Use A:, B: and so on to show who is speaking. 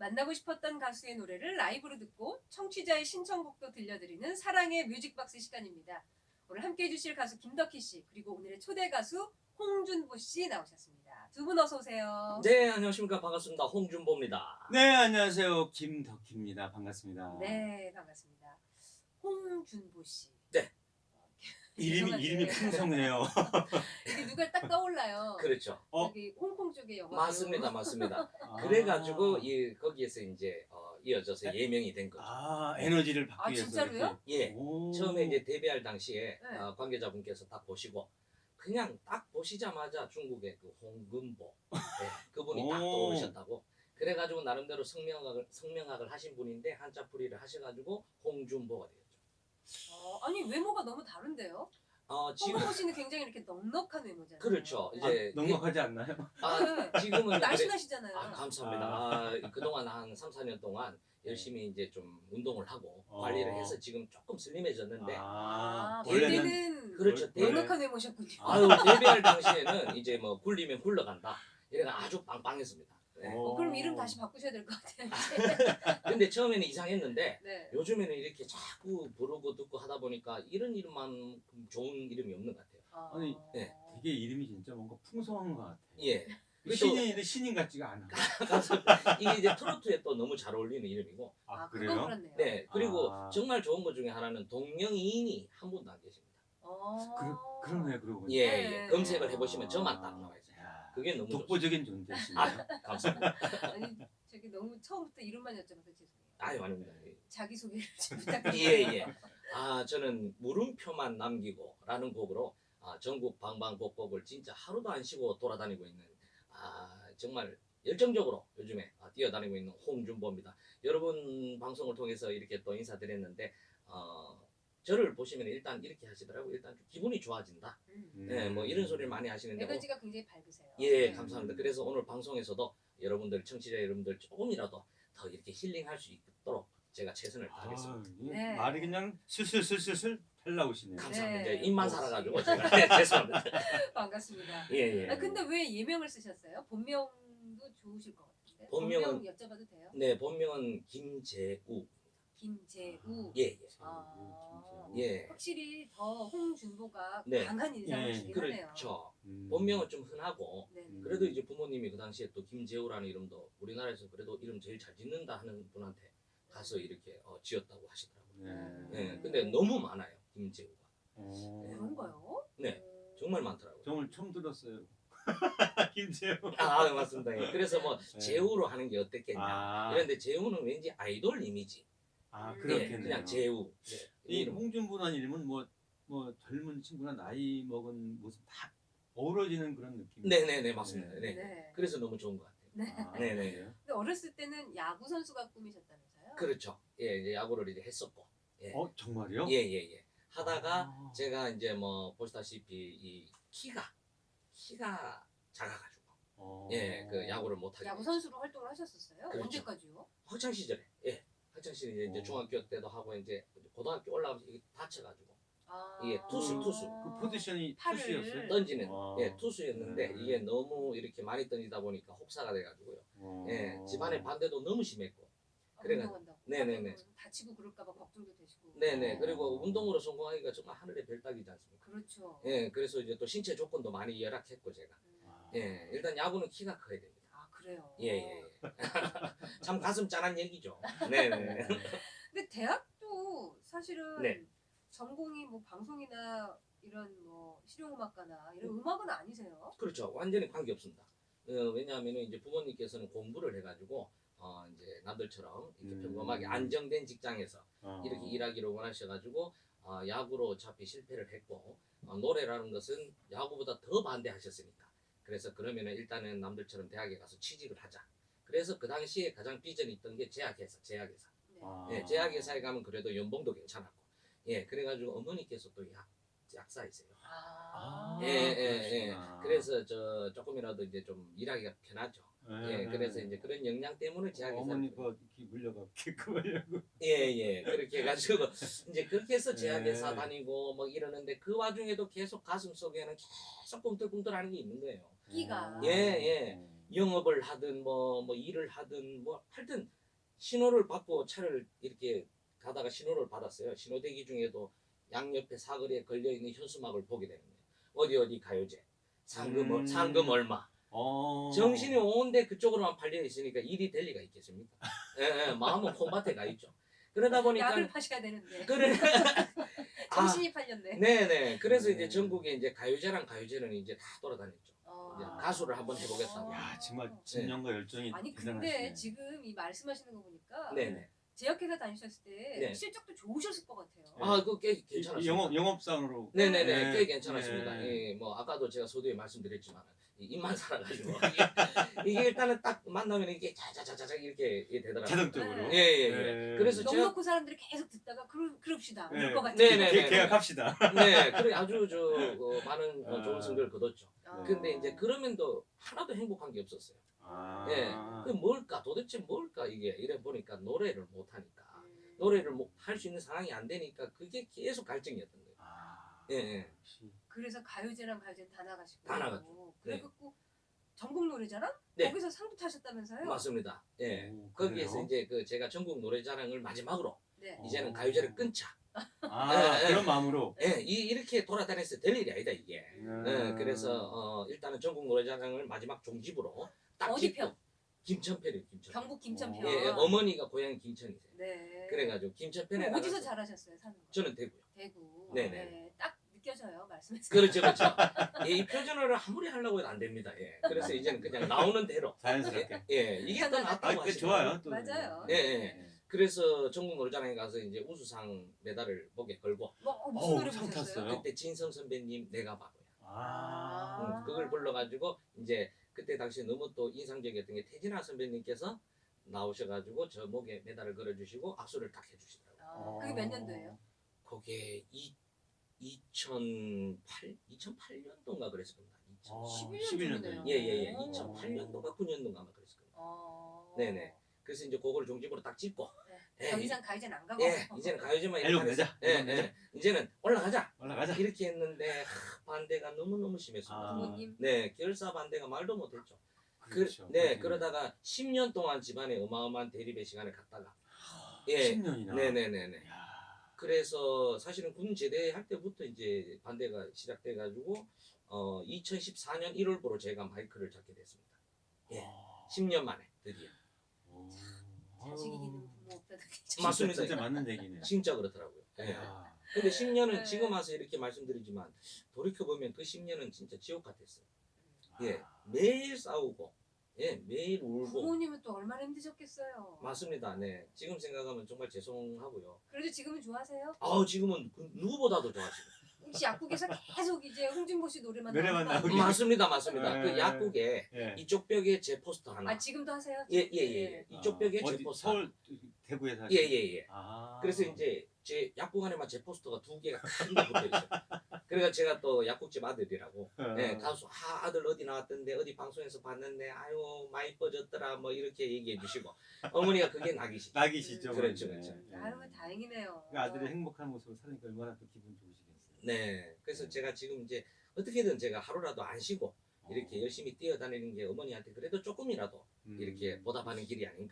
A: 만나고 싶었던 가수의 노래를 라이브로 듣고 청취자의 신청곡도 들려드리는 사랑의 뮤직박스 시간입니다. 오늘 함께해 주실 가수 김덕희 씨 그리고 오늘의 초대 가수 홍준보 씨 나오셨습니다. 두 분 어서 오세요.
B: 네, 안녕하십니까. 반갑습니다. 홍준보입니다.
C: 네, 안녕하세요. 김덕희입니다. 반갑습니다.
A: 네, 반갑습니다. 홍준보 씨.
B: 네.
C: 이름이 풍성해요.
A: 이게 누가 딱 떠올라요.
B: 그렇죠.
A: 여기 홍콩 쪽의 영화.
B: 맞습니다. 맞습니다.
C: 아.
B: 그래가지고 거기에서 이제 이어져서 예명이 된 거죠.
C: 에너지를 받기
A: 아,
C: 위해서.
A: 진짜로요?
B: 예.
C: 오.
B: 처음에 이제 데뷔할 당시에
A: 네.
B: 관계자분께서 딱 보시고 그냥 딱 보시자마자 중국의 그 홍금보 그분이 딱
C: 오.
B: 떠오르셨다고. 그래가지고 나름대로 성명학을 하신 분인데 한자풀이를 하셔가지고 홍준보가 되었죠.
A: 아니 외모가 너무 다른데요?
B: 지금
A: 홍준보 씨는 굉장히 이렇게 넉넉한 외모잖아요.
B: 그렇죠. 이제
C: 넉넉하지 않나요?
B: 지금은
A: 날씬하시잖아요.
B: 감사합니다. 그동안 한 3, 4년 동안 열심히 이제 좀 운동을 하고 관리를 해서 지금 조금 슬림해졌는데
A: 원래는
B: 그렇죠.
A: 넉넉한 외모셨군요.
B: 데뷔할 당시에는 이제 뭐 굴리면 굴러간다. 이래가 아주 빵빵했습니다. 네.
A: 그럼 이름 다시 바꾸셔야 될 것 같아요.
B: 근데 처음에는 이상했는데
A: 네.
B: 요즘에는 이렇게 자꾸 부르고 듣고 하다 보니까 이런 이름만 좋은 이름이 없는 것 같아요.
C: 아니,
B: 네.
C: 되게 이름이 진짜 뭔가 풍성한 것 같아요.
B: 예.
C: 신인 같지가 않아.
B: 이게 이제 트로트에 또 너무 잘 어울리는 이름이고.
A: 그건
C: 그래요?
A: 그렇네요.
B: 네. 그리고 정말 좋은 것 중에 하나는 동명이인이 한 분도 안 계십니다.
C: 그러네, 그러고 보니까.
B: 예. 검색을 해보시면 저만 딱 나와 있어요. 그게 너무
C: 독보적인 존재시네요.
B: 감사합니다.
A: 아니 저기 너무 처음부터 이름만 여쭤봐서 죄송해요.
B: 아유, 아닙니다.
A: 자기 소개를 좀 부탁드립니다.
B: 예. 저는 물음표만 남기고라는 곡으로 전국 방방곡곡을 진짜 하루도 안 쉬고 돌아다니고 있는 정말 열정적으로 요즘에 뛰어다니고 있는 홍준보입니다. 여러분 방송을 통해서 이렇게 또 인사드렸는데 저를 보시면 일단 이렇게 하시더라고요. 일단 좀 기분이 좋아진다. 네, 뭐 이런 소리를 많이 하시는데
A: 에너지가 굉장히 밝으세요.
B: 예, 감사합니다. 그래서 오늘 방송에서도 여러분들 청취자 여러분들 조금이라도 더 이렇게 힐링할 수 있도록 제가 최선을 다하겠습니다.
A: 네.
C: 말이 그냥 슬슬 펼나오시네요.
B: 감사합니다.
A: 네.
B: 입만 살아가지고 제가 죄송합니다.
A: 반갑습니다.
B: 예.
A: 근데 왜 예명을 쓰셨어요? 본명도 좋으실 것 같은데.
B: 본명은-
A: 본명 여쭤봐도 돼요?
B: 네, 본명은 김재우.
A: 김재우.
B: 예.
C: 예.
A: 확실히 더 홍준보가
B: 네.
A: 강한 인상을
C: 예.
A: 주긴 하네요.
B: 그렇죠. 본명은 좀 흔하고
A: 네.
B: 그래도 이제 부모님이 그 당시에 또 김재우라는 이름도 우리나라에서 그래도 이름 제일 잘 짓는다 하는 분한테 가서 이렇게 지었다고 하시더라고요. 네, 근데 너무 많아요, 김재우가.
A: 그런가요?
B: 네. 정말 많더라고요.
C: 정말 처음 들었어요. 김재우.
B: 맞습니다. 예. 그래서 뭐
C: 네.
B: 재우로 하는 게 어땠겠냐. 이런데 재우는 왠지 아이돌 이미지.
C: 그렇겠네요.
B: 그냥 재우. 네.
C: 이
B: 이름.
C: 홍준보라는 이름은 뭐 젊은 친구나 나이 먹은 모습 다 어우러지는 그런 느낌.
B: 네네네, 맞습니다. 네.
A: 네.
B: 그래서 너무 좋은 것 같아요.
A: 네.
B: 네네.
C: 그래요?
A: 근데 어렸을 때는 야구 선수가 꿈이셨다면서요?
B: 그렇죠. 예, 이제 야구를 이제 했었고. 예.
C: 정말요?
B: 예. 하다가
C: 아.
B: 제가 이제 뭐 보시다시피 이 키가 작아가지고 그 야구를 못 하게
A: 야구
B: 됐죠.
A: 선수로 활동을 하셨었어요?
B: 그렇죠.
A: 언제까지요?
B: 학창 시절에 학창 시절에 이제 중학교 때도 하고 이제 고등학교 올라가면서 이게 다쳐가지고 이게 투수.
C: 그 포지션이
A: 팔을-
C: 투수였어요?
B: 던지는
C: 와.
B: 투수였는데 이게 너무 이렇게 많이 던지다 보니까 혹사가 돼가지고요. 집안의 반대도 너무 심했고. 그래가-
A: 운동한다고.
B: 네네네.
A: 다치고 그럴까봐 걱정도 되시고.
B: 네네. 그리고 운동으로 성공하기가 정말 하늘의 별따기지 않습니까?
A: 그렇죠.
B: 예, 그래서 이제 또 신체 조건도 많이 열악했고 제가. 예, 일단 야구는 키가 커야 됩니다.
A: 그래요.
B: 예. 참 가슴 짠한 얘기죠. 네네.
A: 근데 대학도 사실은
B: 네.
A: 전공이 뭐 방송이나 이런 뭐 실용음악가나 이런 음악은 아니세요?
B: 그렇죠. 완전히 관계 없습니다. 왜냐하면 이제 부모님께서는 공부를 해가지고 이제 남들처럼 이렇게 평범하게 안정된 직장에서 이렇게 일하기를 원하셔가지고 야구로 어차피 실패를 했고 노래라는 것은 야구보다 더 반대하셨으니까 그래서 그러면은 일단은 남들처럼 대학에 가서 취직을 하자. 그래서 그 당시에 가장 비전이 있던 게 제약회사.
A: 네.
B: 예, 제약회사에 가면 그래도 연봉도 괜찮았고 예, 그래가지고 어머니께서 또 약사이세요. 예. 그래서 저 조금이라도 이제 좀 일하기가 편하죠. 예, 그래서 이제 그런 역량 때문에 제약회사
C: 어머니가 이렇게 물려갖고 하려고.
B: 예. 그렇게 해가지고 이제 그렇게 해서 제약회사
C: 네.
B: 다니고 뭐 이러는데 그 와중에도 계속 가슴 속에는 계속 꿈틀꿈틀하는 게 있는 거예요.
A: 끼가.
B: 예. 영업을 하든 뭐 일을 하든 뭐 하여튼 신호를 받고 차를 이렇게 가다가 신호를 받았어요. 신호대기 중에도 양옆에 사거리에 걸려 있는 현수막을 보게 되는 거예요. 어디 가요제, 상금 얼마. 정신이 온데 그쪽으로만 팔려 있으니까 일이 될 리가 있겠습니까? 예, 마음은 콩밭에 가 있죠. 그러다 보니까
A: 약을 파셔야 되는데
B: 그래.
A: 정신이 팔렸네.
B: 네네. 그래서 이제 전국에 이제 가요제는 이제 다 돌아다녔죠. 이제
A: 아.
B: 가수를 한번 해보겠다고.
C: 야 정말 진정과 열정이
A: 아니
C: 대단하시네.
A: 근데 지금 이 말씀하시는 거 보니까
B: 네네.
A: 제약회사 다니셨을 때
B: 네.
A: 실적도 좋으셨을 것 같아요.
B: 아, 그거 꽤 괜찮았습니다.
C: 영업상으로.
B: 네네네,
C: 네.
B: 꽤 괜찮았습니다.
C: 네.
B: 예, 뭐 아까도 제가 서두에 말씀드렸지만 이 입만 살아가지고 이게 일단은 딱 만나면 이게 자자자자 이렇게 되더라고요.
C: 자동적으로.
A: 네.
B: 예.
C: 네.
B: 그래서
A: 넉
B: 제가
A: 놓고 사람들이 계속 듣다가 그럽시다.
C: 네.
A: 그럴 것 같아요.
B: 네네.
C: 계약합시다.
B: 네, 그래 아주 많은
C: 아.
B: 좋은 성적을 거뒀죠.
A: 아.
B: 근데 이제 그러면도 하나도 행복한 게 없었어요.
C: 아.
B: 예. 그 뭘까 도대체 뭘까 이게 이래 보니까 노래를 못 하니까
A: 음.
B: 노래를 할 수 있는 상황이 안 되니까 그게 계속 갈증이었던 거예요.
C: 아.
B: 예.
C: 역시.
A: 그래서 가요제랑 가요제는 다 나가시고.
B: 다 나갔죠.
A: 그래갖고 전국 노래자랑
B: 네.
A: 거기서 상도 타셨다면서요?
B: 맞습니다. 예.
C: 오,
B: 거기에서
C: 그래요?
B: 이제 그 제가 전국 노래자랑을 마지막으로
A: 네.
B: 이제는 가요제를 끊자.
C: 아
B: 예,
C: 그런 마음으로.
B: 예, 이렇게 돌아다녔을 때 될 일이 아니다 이게.
C: 음.
B: 예, 그래서 일단은 전국 노래자랑을 마지막 종집으로 딱
A: 어디
B: 짓고
A: 편?
B: 김천편이요, 김천.
A: 경북 김천편.
B: 예, 예, 어머니가 고향이 김천이세요.
A: 네.
B: 그래가지고 김천편에
A: 그럼 어디서
B: 나가서
A: 잘하셨어요, 사는 거?
B: 저는 대구요.
A: 대구.
B: 네네.
A: 네. 딱 느껴져요, 말씀에서.
B: 그렇죠, 그렇죠. 예, 이 표준어를 아무리 하려고 해도 안 됩니다. 예, 그래서 이제는 그냥 나오는 대로.
C: 자연스럽게.
B: 예, 이게 더 낫다고
C: 그
B: 하시더라고요.
C: 좋아요. 또.
A: 맞아요.
B: 예, 예. 그래서 전국 노래자랑에 가서 이제 우수상 메달을 목에 걸고
A: 무슨 노래
C: 상
A: 부르셨어요?
C: 탔어요?
B: 그때 진성 선배님 내가 바보야.
C: 아.
B: 그걸 불러가지고 이제 그때 당시에 너무 또 인상적이었던 게 태진아 선배님께서 나오셔가지고 저 목에 메달을 걸어주시고 악수를 딱 해주시더라고요.
A: 그게 몇 년도예요?
B: 그게 2008년도인가 그랬을 겁니다.
A: 11년 전이네요.
B: 예예예.
A: 오.
B: 2008년도인가 9년도인가 아마 그랬을 겁니다. 네네.
A: 네.
B: 그래서 이제 그거를 종집으로 딱 찍고 예,
A: 더 이상 가요제는 안 가고.
B: 예, 이제는 가요제만
C: 앨범
B: 이렇게
C: 내자.
B: 예,
C: 앨범 내자.
B: 예, 이제는 올라가자.
C: 올라가자.
B: 이렇게 했는데 반대가 너무너무 심했습니다.
A: 부모님.
B: 네, 결사 반대가 말도 못했죠.
C: 그렇죠.
B: 네, 그러다가 10년 동안 집안에 어마어마한 대립의 시간을 갖다가 예,
C: 10년이나.
B: 네네네네. 그래서 사실은 군 제대할 때부터 이제 반대가 시작돼가지고 2014년 1월부로 제가 마이크를 잡게 됐습니다. 예, 10년 만에 드디어.
A: 자식 이기는 부모 없다는 게 참.
B: 맞습니다.
C: 진짜 맞는 얘기네요.
B: 진짜 그렇더라고요. 예.
C: 야.
B: 근데 10년은
A: 네.
B: 지금 와서 이렇게 말씀드리지만 돌이켜보면 그 10년은 진짜 지옥 같았어요. 예, 매일 싸우고, 예, 매일 울고.
A: 부모님은 또 얼마나 힘드셨겠어요.
B: 맞습니다. 네, 지금 생각하면 정말 죄송하고요.
A: 그래도 지금은 좋아하세요?
B: 지금은 그 누구보다도 좋아지고.
A: 혹시 약국에서 계속 이제 홍준보 씨 노래만
C: 노래만
A: 나오는 거
C: 나오기.
B: 맞습니다, 맞습니다.
C: 네.
B: 그 약국에
C: 예.
B: 이쪽 벽에 제 포스터 하나.
A: 아 지금도 하세요?
B: 예. 이쪽 벽에 제
C: 어디,
B: 포스터.
C: 서울 대구에 사시.
B: 예.
C: 아.
B: 그래서 이제 제 약국 안에만 제 포스터가 2개가 큰게 붙어 있어요. 그러니까 제가 또 약국집 아들이라고. 네, 가수 아들 어디 나왔던데 어디 방송에서 봤는데 아유 많이 뻗었더라 뭐 이렇게 얘기해 주시고 어머니가 그게 낙이시죠.
C: 낙이시죠.
B: 그렇죠,
C: 네.
B: 그렇죠.
A: 아유 다행이네요.
C: 그 아들의 행복한 모습을 사니까 얼마나 또 기분 좋으시겠어요.
B: 네, 그래서 제가 지금 이제 어떻게든 제가 하루라도 안 쉬고 이렇게 열심히 뛰어다니는 게 어머니한테 그래도 조금이라도 이렇게 보답하는 길이 아닌가.